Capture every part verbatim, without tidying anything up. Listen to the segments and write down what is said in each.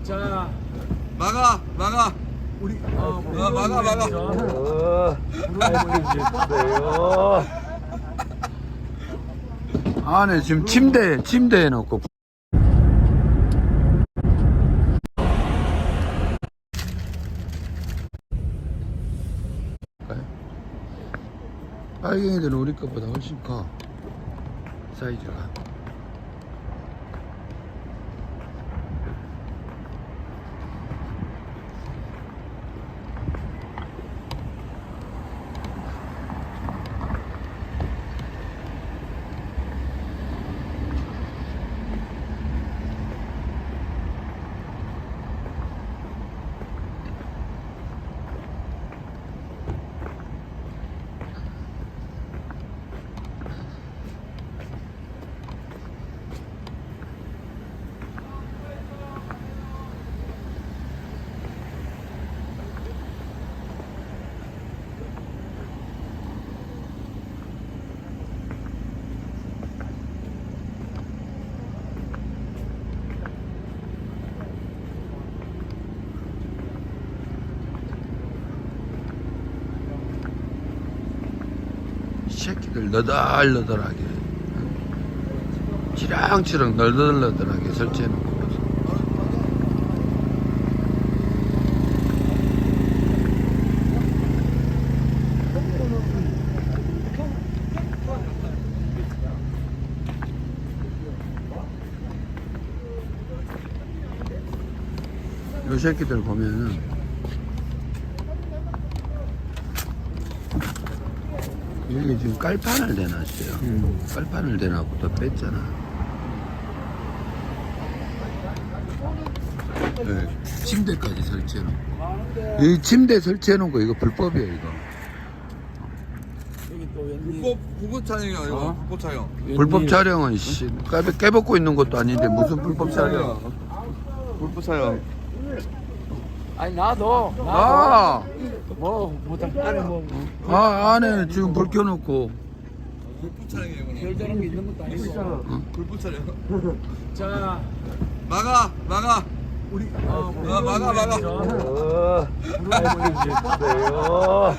자, 막아 막아 우리 어, 우리 어, 막아, 막아. 어, 알겠어요. 안에 지금 침대, 침대에 놓고. 빨갱이들은 우리 것보다 훨씬 커, 사이즈가. 이 새끼들 너덜너덜하게, 치랑치랑 너덜너덜하게 설치해 놓고. 요 새끼들 보면은 여기 지금 깔판을 대놨어요. 음. 깔판을 대놨고 또 뺐잖아. 네, 침대까지 설치해놓고. 이 침대 설치해놓은 거 이거 불법이에요, 이거. 여기 또 웬일? 불법 불법 촬영이야 이거. 어? 불법 촬영. 불법 촬영은 씨 깨, 깨벗고 있는 것도 아닌데 무슨 불법 촬영? 불법 촬영. 아니 나도 나도 아, 뭐 못할 안에 뭐 아 안에 지금 불 켜놓고. 불법 촬영이에요 이거는. 별다른 게 있는 것도 아니고. 불법 촬영. 자, 막아 막아 우리 어, 우리 어, 막아, 막아. 어, 알겠어요.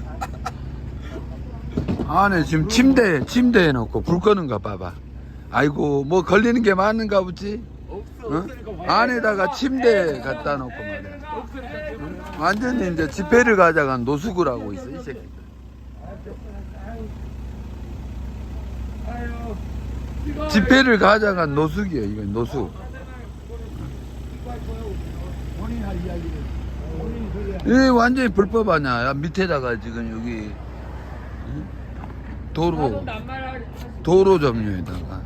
안에 지금 침대, 침대에 놓고 불 끄는 거 봐봐. 아이고, 뭐 걸리는 게 많은가 보지? 어? 안에다가 침대 갖다 놓고 말이야. 응? 완전히 이제 집회를 가져간 노숙을 하고 있어, 이 새끼. 집회를 가져간 노숙이에요, 이거 노숙. 이 완전히 불법 아니야. 야, 밑에다가 지금 여기 응? 도로 도로 점유에다가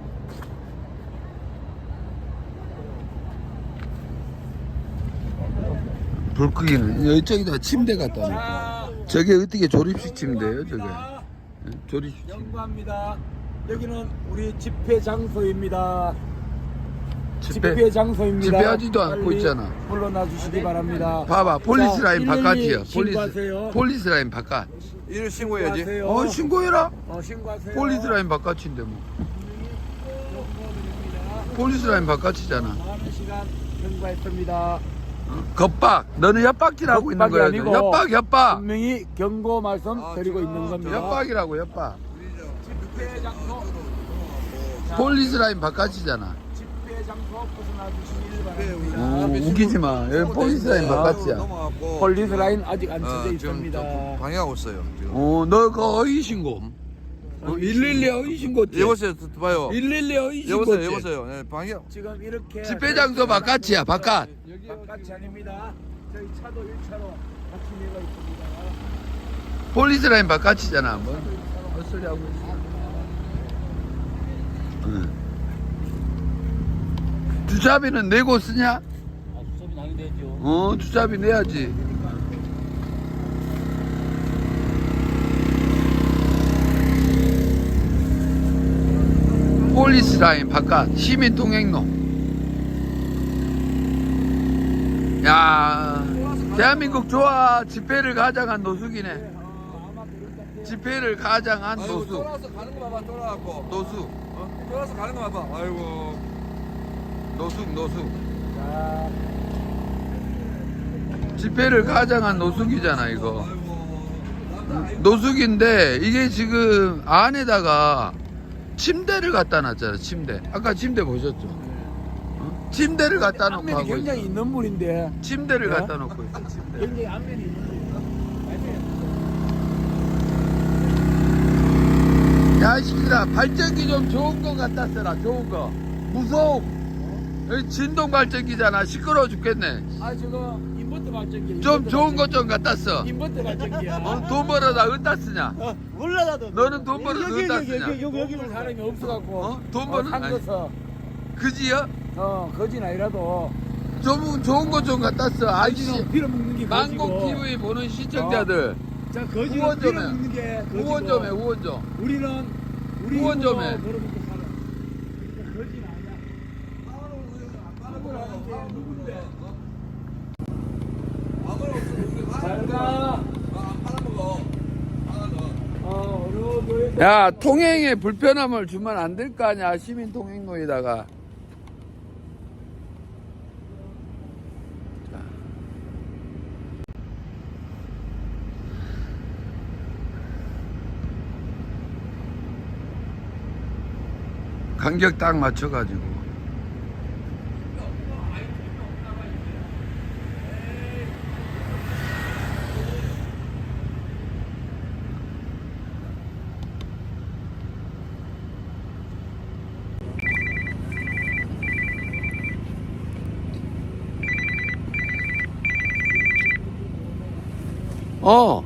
불 끄기는 이쪽에다 침대 갖다 놓고. 저게 어떻게 조립식 침대예요, 저게? 응? 조립식 침대. 연구합니다. 여기는 우리 집회 장소입니다. 집회 집회 장소입니다. 집회하지도 않고 빨리 있잖아. 물러나 주시기 바랍니다. 봐봐, 폴리스 자, 라인 일일이 바깥이야. 신고하세요. 폴리스 폴리스 라인 바깥. 이를 신고해야지. 신고하세요. 어, 신고해라. 어, 신고하세요. 폴리스 라인 바깥인데 뭐. 폴리스 라인 바깥이잖아. 많은 시간 경고했습니다. 겁박. 너는 협박질하고 있는 거야. 아니고 협박, 협박. 분명히 경고 말씀 아, 드리고 지금 있는 겁니다. 협박이라고, 협박. 집회 장소 자, 폴리스 라인 바깥이잖아. 집회 장소 벗어나 주시길 바랍니다. 어, 웃기지 마. 여기 폴리스 라인 바깥이야. 넘어갔고. 폴리스 라인 아직 안 어, 쳐져 지금 있습니다. 좀 방해하고 있어요. 지금. 어, 너 그 어이 신고. 어, 일일이 어이 신고지. 여보세요, 봐요. 일일이 어이 여보세요, 신고지. 여보세요. 네, 방해. 지금 이렇게 집회 장소 바깥이야, 바깥. 바깥이 아닙니다. 저희 차도 일 차로 같이 내가 있습니다. 폴리스 라인 바깥이잖아. 뭐. 헛소리 하고 있어. 응. 주차비는 내고 쓰냐? 아, 수업이 나게 되죠. 어, 주차비 내야지. 폴리스 라인 바깥 시민 통행로. 야, 대한민국 좋아. 집회를 가장한 노숙이네. 집회를 가장한 아이고, 노숙. 쫄아서 가는 거 봐봐, 쫄아갖고. 노숙. 어? 쫄아서 가는 거 봐봐. 아이고. 노숙, 노숙. 자, 집회를 가장한 노숙이잖아 이거. 노숙인데 이게 지금 안에다가 침대를 갖다 놨잖아. 침대. 아까 침대 보셨죠? 어? 침대를 갖다 놓고 안면이 하고 굉장히 있어. 있는 물인데 침대를 어? 갖다 놓고 있어. 침대. 굉장히 안면이 있는 물이다. 야, 이 새끼들아, 발전기 좀 좋은 거 갖다 써라, 좋은 거. 무서움. 여기 진동 발전기잖아. 시끄러워 죽겠네. 아 저거 인버터 발전기. 좀 좋은 거 좀 갖다 써. 인버터 발전기야. 어, 돈 벌어다 어디다 쓰냐? 어, 몰라 나도. 너는 돈 벌어서 여기, 어디다 여기, 쓰냐? 여기 여기 여기 볼 사람이 없어갖고. 어? 돈 버는- 산 아니. 거서. 그지요? 어 거진 아니라도. 좀 좋은 거 좀 갖다 써. 아이씨. 거지는 빌어먹는 게 거지고. 망공 티비 보는 시청자들. 자 거지는 후원 좀 해. 빌어먹는 게 거지고. 후원 좀 해, 후원 좀. 우리는 우리 후원 좀 힘으로 해. 벌어먹고 살아. 그러니까 거지는 아니야. 누군데? 잘 가. 어, 어려워. 야, 통행에 불편함을 주면 안 될 거 아니야, 시민 통행로에다가. 자. 간격 딱 맞춰가지고. 어.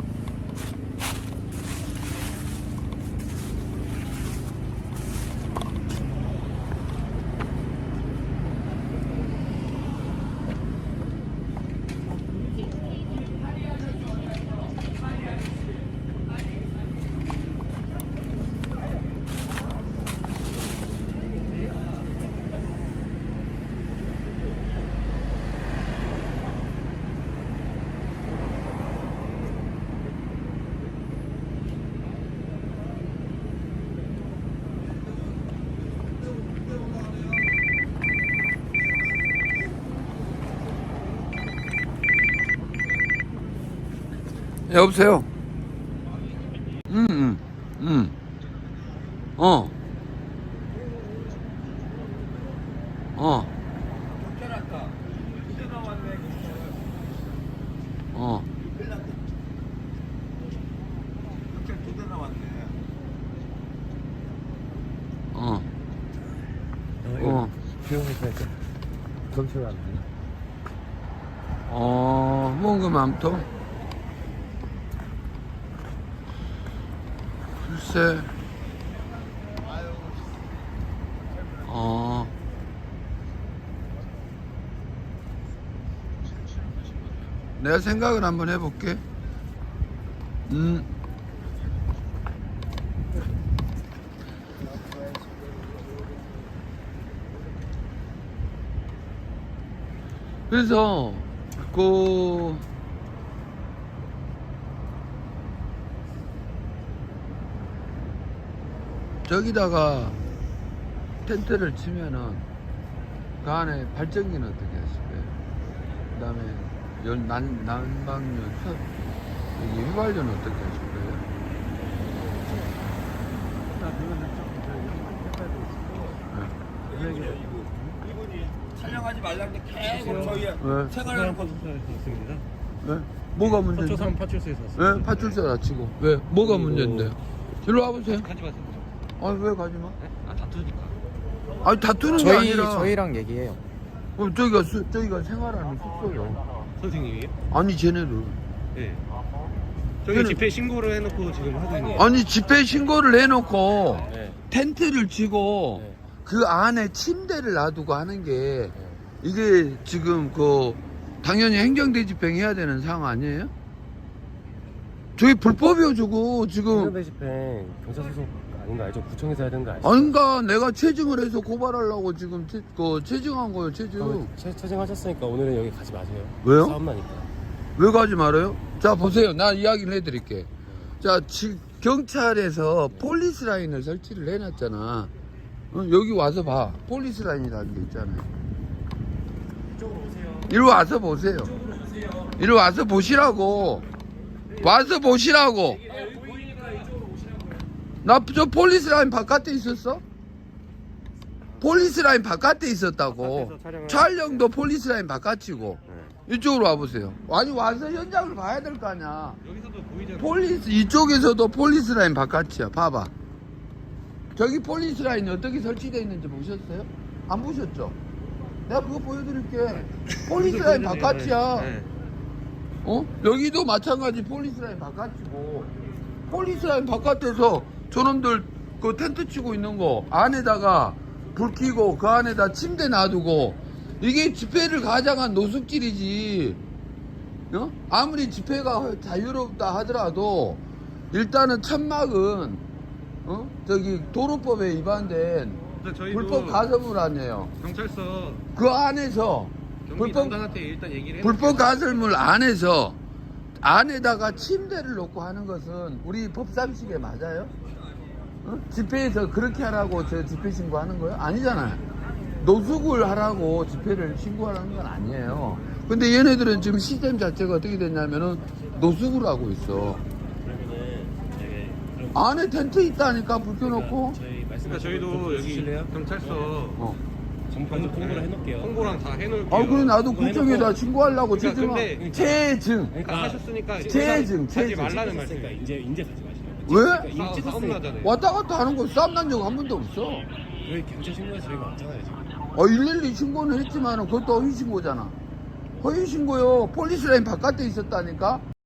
여보세요? 응, 응, 응. 어. 어. 어. 어. 어. 비용에서 경찰 안 돼. 어, 뭔가 맘통? 글쎄. 어. 내가 생각을 한번 해볼게. 음. 그래서 그 저기다가 텐트를 치면은 그 안에 발전기는 어떻게 하실 거예요? 그 다음에 연, 난, 난방료, 첫, 여기 휘발유는 어떻게 하실 거예요? 촬영하지 말라는데 계속 저희 네. 생활하는 거 있습니다. 네? 뭐가 문제인데? 서초산 파출소에서 왔습니다. 네? 파출소 다치고. 왜? 뭐가 그리고- 문제인데? 일로 와보세요. 가지 마세요. 아니, 왜 가지 마? 네? 아 다투니까. 아니, 다투는 게 저희 아니라. 저희랑 얘기해요. 어, 저기가, 수, 저기가 생활하는 숙소요. 선생님이에요? 아니, 쟤네들. 네. 저희 저는- 집회 신고를 해놓고 지금 하고 있는. 아니, 집회 신고를 해놓고 네. 텐트를 치고 네. 그 안에 침대를 놔두고 하는 게 이게 지금 그 당연히 행정대집행 해야 되는 상황 아니에요? 저희 불법이요, 저거 지금. 행정대 집행 경찰 소속 아닌 거 알죠? 구청에서 해야 되는 거 알죠? 아닌가 내가 체증을 해서 고발하려고 지금 체, 그 체증한 거예요, 체증. 그럼 채, 채증하셨으니까 오늘은 여기 가지 마세요. 왜요? 싸움 나니까. 왜 가지 말아요? 자, 보세요. 나 이야기를 해드릴게. 자, 지, 경찰에서 폴리스 라인을 설치를 해놨잖아. 어, 여기 와서 봐. 폴리스 라인이라는 게 있잖아요. 이쪽으로 오세요. 이리 와서 보세요. 이쪽으로 오세요. 이리 와서 보시라고. 와서 보시라고. 나 저 폴리스 라인 바깥에 있었어? 폴리스 라인 바깥에 있었다고. 바깥에서 촬영을 촬영도 폴리스 라인 바깥이고. 네. 이쪽으로 와보세요. 아니 와서 현장을 봐야 될 거 아니야. 여기서도 보이잖아. 폴리스 이쪽에서도 폴리스 라인 바깥이야. 봐봐. 저기 폴리스 라인이 어떻게 설치되어 있는지 보셨어요? 안 보셨죠? 내가 그거 보여드릴게. 폴리스 라인 바깥이야. 네. 어? 여기도 마찬가지 폴리스 라인 바깥이고. 폴리스 라인 바깥에서 저놈들 그 텐트 치고 있는 거 안에다가 불 켜고 그 안에다 침대 놔두고 이게 집회를 가장한 노숙질이지. 어? 아무리 집회가 자유롭다 하더라도 일단은 천막은 어? 저기 도로법에 위반된 일단 저희도 불법 가설물 아니에요. 경찰서 그 안에서 경비 불법 담당한테 일단 얘기를 해. 불법 가설물 안에서 안에다가 침대를 놓고 하는 것은 우리 법상식에 맞아요? 어? 집회에서 그렇게 하라고 저 집회 신고하는 거예요? 아니잖아요. 노숙을 하라고 집회를 신고하라는 건 아니에요. 근데 얘네들은 지금 시스템 자체가 어떻게 됐냐면은 노숙을 하고 있어. 그러면은 저희 그럼 안에 텐트 있다니까 불 켜놓고. 저희 말씀 그러니까 저희도 여기 주실래요? 경찰서 어. 전부 통보를 해놓을게요. 홍보랑 다 해놓을게요. 아 그래 나도 그거 구청에다 해놓고. 신고하려고 그러니까 지금 근데- 체증. 그러니까 하셨으니까 체증, 가지 체증. 말라는 그러니까 말씀. 이제 이제 가지 마시라고. 왜? 그러니까 이미 싸움 찍었으니까. 나잖아요. 왔다 갔다 하는 거 싸움 난 적 한 번도 없어. 왜 경찰 신고해서 저희가 왔잖아요 지금. 어, 일일이 신고는 했지만 그것도 허위 신고잖아. 허위 신고요. 폴리스 라인 바깥에 있었다니까.